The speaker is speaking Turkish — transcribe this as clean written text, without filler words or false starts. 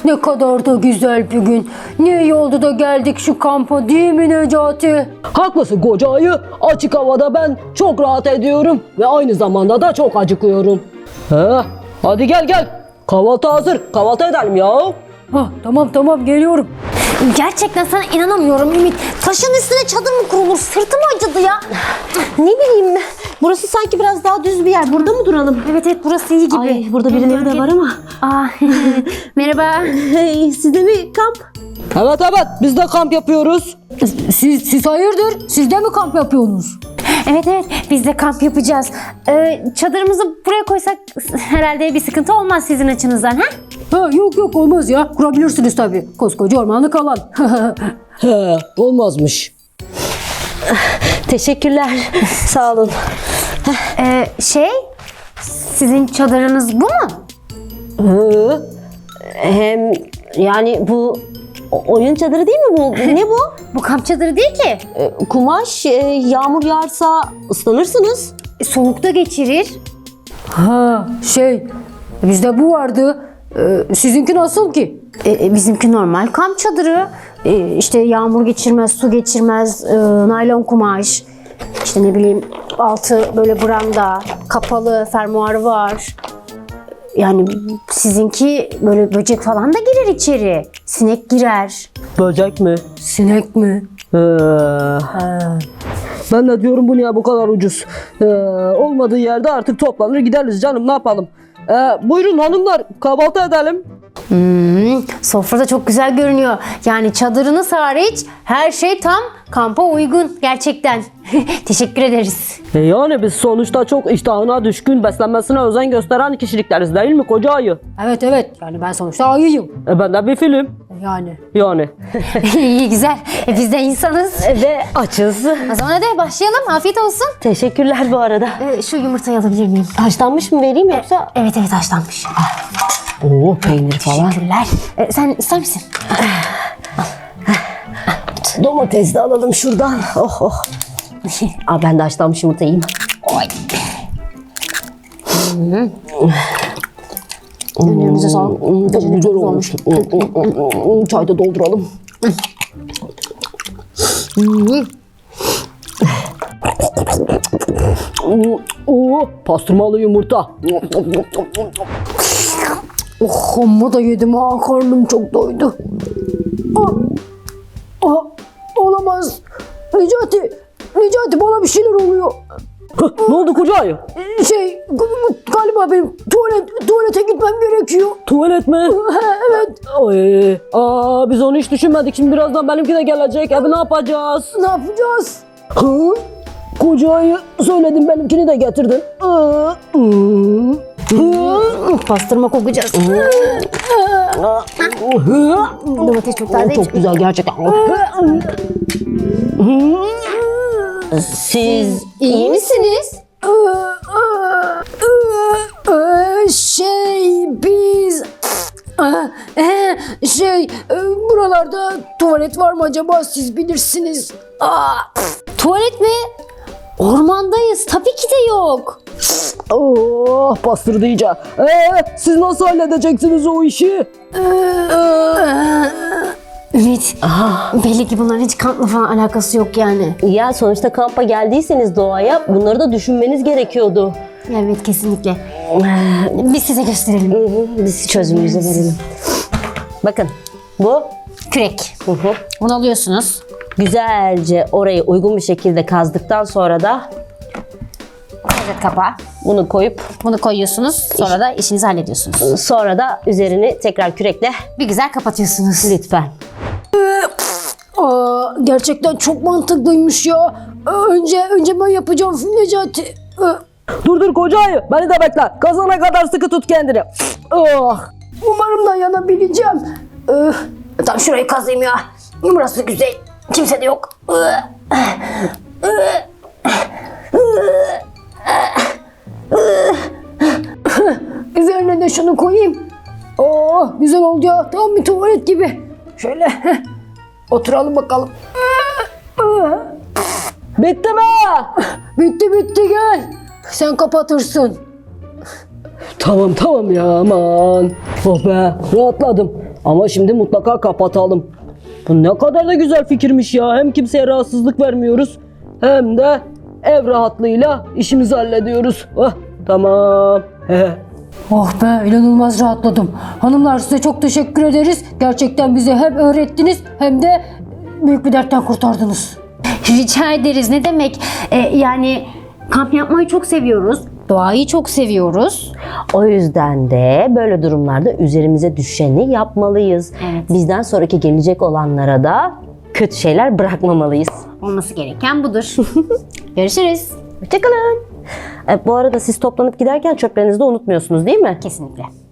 Ne kadar da güzel bir gün. Ne iyi oldu da geldik şu kampa, değil mi Necati? Haklısın koca ayı. Açık havada ben çok rahat ediyorum ve aynı zamanda da çok acıkıyorum. Hadi gel. Kahvaltı hazır. Kahvaltı edelim ya. Tamam geliyorum. Gerçekten sana inanamıyorum Ümit. Taşın üstüne çadır mı kurulur? Sırtım acıdı ya. Ne bileyim, burası sanki biraz daha düz bir yer. Burada mı duralım? Evet burası iyi gibi. Ay, burada birileri de var ama. Merhaba. Sizde mi kamp? Evet biz de kamp yapıyoruz. Siz hayırdır? Siz de mi kamp yapıyorsunuz? Evet biz de kamp yapacağız. Çadırımızı buraya koysak herhalde bir sıkıntı olmaz sizin açınızdan, ha? Yok olmaz ya. Kurabilirsiniz tabii. Koskoca ormanlık alan. Olmazmış. Teşekkürler. Sağ olun. Sizin çadırınız bu mu? Hem yani bu oyun çadırı değil mi bu? Ne bu? Bu kamp çadırı değil ki. Kumaş, yağmur yağarsa ıslanırsınız. Soğukta geçirir. Bizde bu vardı. Sizinki nasıl ki? Bizimki normal kamp çadırı. İşte yağmur geçirmez, su geçirmez, naylon kumaş. İşte ne bileyim altı böyle branda, kapalı, fermuarı var. Yani sizinki böyle böcek falan da girer içeri. Sinek girer. Böcek mi? Sinek mi? Ben de diyorum bu niye bu kadar ucuz? Olmadığı yerde artık toplanır gideriz canım, ne yapalım? Buyurun hanımlar, kahvaltı edelim. Sofrada çok güzel görünüyor. Yani çadırınız hariç her şey tam kampa uygun gerçekten. Teşekkür ederiz. Yani biz sonuçta çok iştahına düşkün, beslenmesine özen gösteren kişilikleriz değil mi koca ayı? Evet. Yani ben sonuçta ayıyım. Ben de bir film. Yani. İyi güzel. Biz de insanız. Ve açız. O zaman hadi başlayalım. Afiyet olsun. Teşekkürler bu arada. Şu yumurtayı alabilir miyim? Haşlanmış mı vereyim yoksa? Evet haşlanmış. Oo, peynir falan. Teşekkürler. Sen ister misin? Domates de alalım şuradan. Oh. Ben de haşlanmış yumurta yiyeyim. Önlerinize sağlık. Güzel olmuş. Çay da dolduralım. Pastırmalı yumurta. Amma da yedim ha. Karnım çok doydu. Olamaz. Necati bana bir şeyler oluyor. Ne oldu koca ayı? Galiba benim tuvalete gitmem gerekiyor. Tuvalet mi? Evet. Biz onu hiç düşünmedik. Şimdi birazdan benimki de gelecek. Abi ne yapacağız? Ne yapacağız? Koca ayı söyledim, benimkini de getirdin. Pastırma kokacağız. Domates çok taze. Çok güzel gerçekten. Siz İyi misiniz? Biz buralarda tuvalet var mı acaba, siz bilirsiniz. Tuvalet mi? Ormandayız. Tabii ki de yok. Bastırdı iyice. Siz nasıl halledeceksiniz o işi? Ümit, belli ki bunların hiç kampla falan alakası yok yani. Ya sonuçta kampa geldiyseniz doğaya bunları da düşünmeniz gerekiyordu. Evet kesinlikle. Biz size gösterelim. Biz çözümümüzü verelim. Bakın bu Kürek. Bunu alıyorsunuz. güzelce orayı uygun bir şekilde kazdıktan sonra da Evet kapağı. bunu koyup Bunu koyuyorsunuz. Sonra da işinizi hallediyorsunuz. sonra da üzerini tekrar kürekle Bir güzel kapatıyorsunuz. lütfen. Gerçekten çok mantıklıymış ya. Önce ben yapacağım Necati. Dur koca ayı, beni de bekle. Kazana kadar sıkı tut kendini. Umarım dayanabileceğim. Tam şurayı kazayım ya. Burası güzel. Kimse de yok. Üzerine de şunu koyayım. Güzel oldu ya. Tam bir tuvalet gibi. Şöyle oturalım bakalım. Bitti mi? Bitti gel. Sen kapatırsın. Tamam ya, aman. Oh be, rahatladım. Ama şimdi mutlaka kapatalım. Bu ne kadar da güzel fikirmiş ya. Hem kimseye rahatsızlık vermiyoruz hem de ev rahatlığıyla işimizi hallediyoruz. Oh, tamam. Oh be, inanılmaz rahatladım. Hanımlar, size çok teşekkür ederiz. Gerçekten bize hem öğrettiniz hem de büyük bir dertten kurtardınız. Rica ederiz. Ne demek? Yani kamp yapmayı çok seviyoruz. Doğayı çok seviyoruz. O yüzden de böyle durumlarda üzerimize düşeni yapmalıyız. Evet. Bizden sonraki gelecek olanlara da kötü şeyler bırakmamalıyız. Olması gereken budur. Görüşürüz. Hoşçakalın. Bu arada siz toplanıp giderken çöplerinizi de unutmuyorsunuz değil mi? Kesinlikle.